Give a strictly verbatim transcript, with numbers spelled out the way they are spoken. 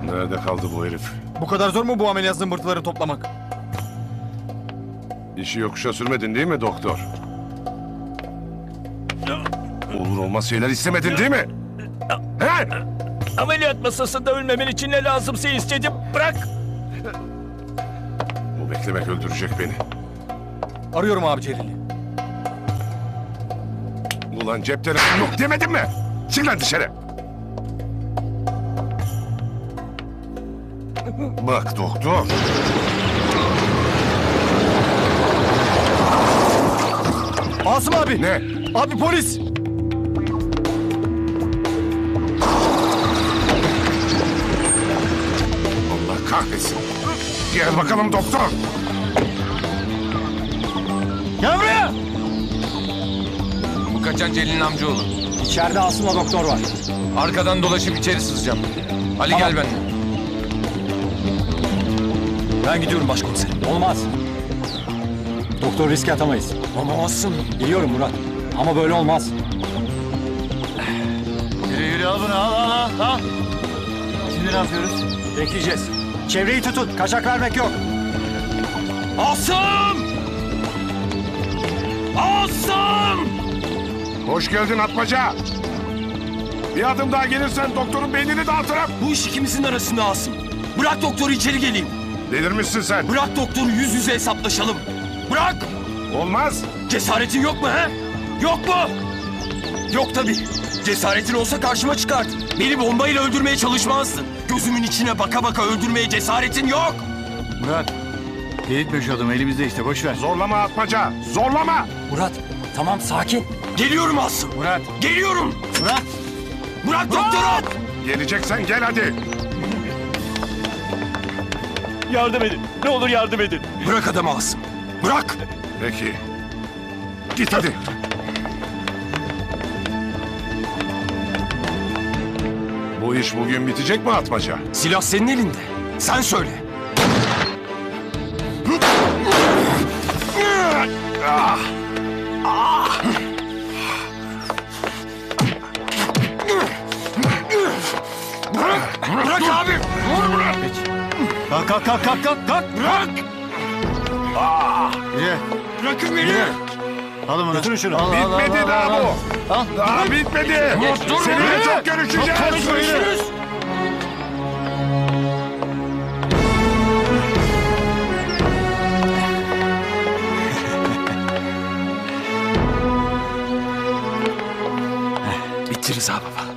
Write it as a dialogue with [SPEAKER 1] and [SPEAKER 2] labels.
[SPEAKER 1] Nerede kaldı bu herif?
[SPEAKER 2] Bu kadar zor mu bu ameliyat zımbırtıları toplamak?
[SPEAKER 1] İşi yokuşa sürmedin değil mi doktor? Olur olmaz şeyler istemedin değil mi? He?
[SPEAKER 3] Ameliyat masasında ölmemen için ne lazımsa istedim. Bırak.
[SPEAKER 1] Bu beklemek öldürecek beni.
[SPEAKER 2] Arıyorum abi Celil'i.
[SPEAKER 1] Ulan cep telefonu yok demedim mi? Çık lan dışarı. Bak doktor.
[SPEAKER 2] Asım abi.
[SPEAKER 1] Ne?
[SPEAKER 2] Abi polis.
[SPEAKER 1] Allah kahretsin. Gel bakalım doktor.
[SPEAKER 2] Gel buraya.
[SPEAKER 4] Bu kaçan Celil'in amcaoğlu.
[SPEAKER 2] İçeride Asım'la doktor var.
[SPEAKER 4] Arkadan dolaşıp içeri sızacağım. Ali
[SPEAKER 2] Tamam.
[SPEAKER 4] gel benimle.
[SPEAKER 3] Ben gidiyorum başkomiserim.
[SPEAKER 5] Olmaz. Doktor riske atamayız.
[SPEAKER 3] Ama Asım.
[SPEAKER 5] Biliyorum Murat. Ama böyle olmaz.
[SPEAKER 2] Yürü yürü al bunu al al al. al. Şimdi ne yapıyoruz?
[SPEAKER 5] Bekleyeceğiz. Çevreyi tutun. Kaçak vermek yok.
[SPEAKER 3] Asım! Asım!
[SPEAKER 1] Hoş geldin Atmaca. Bir adım daha gelirsen doktorun beynini dağıtırım.
[SPEAKER 3] Bu iş ikimizin arasında Asım. Bırak doktoru içeri geleyim.
[SPEAKER 1] Delirmişsin sen.
[SPEAKER 3] Bırak doktoru yüz yüze hesaplaşalım. Bırak!
[SPEAKER 1] Olmaz.
[SPEAKER 3] Cesaretin yok mu he? Yok mu? Yok tabii. Cesaretin olsa karşıma çıkart. Beni bombayla öldürmeye çalışmazdın. Gözümün içine baka baka öldürmeye cesaretin yok.
[SPEAKER 2] Murat. Delirtme şu adamı elimizde işte boş ver.
[SPEAKER 1] Zorlama Atmaca. Zorlama.
[SPEAKER 5] Murat, tamam sakin.
[SPEAKER 3] Geliyorum Asım.
[SPEAKER 2] Murat.
[SPEAKER 3] Geliyorum.
[SPEAKER 2] Murat.
[SPEAKER 3] Bırak doktoru.
[SPEAKER 1] Geleceksen gel hadi.
[SPEAKER 3] Yardım edin. Ne olur yardım edin. Bırak adamı Asım. Bırak.
[SPEAKER 1] Peki. Git hadi. Bu iş bugün bitecek mi Atmaca?
[SPEAKER 3] Silah senin elinde. Sen söyle. Bırak abi. Vur bırak.
[SPEAKER 2] Kalk kalk kalk kalk kalk. kalk.
[SPEAKER 3] Bırak.
[SPEAKER 2] Yürü.
[SPEAKER 3] Bırakın beni.
[SPEAKER 2] Al bunu.
[SPEAKER 5] şunu.
[SPEAKER 2] Al, al, al,
[SPEAKER 1] Bitmedi
[SPEAKER 2] al,
[SPEAKER 1] daha
[SPEAKER 2] al, al.
[SPEAKER 1] bu.
[SPEAKER 2] Al.
[SPEAKER 1] Daha bitmedi.
[SPEAKER 3] Dur, dur,
[SPEAKER 1] Seninle
[SPEAKER 3] dur.
[SPEAKER 1] çok görüşeceğiz.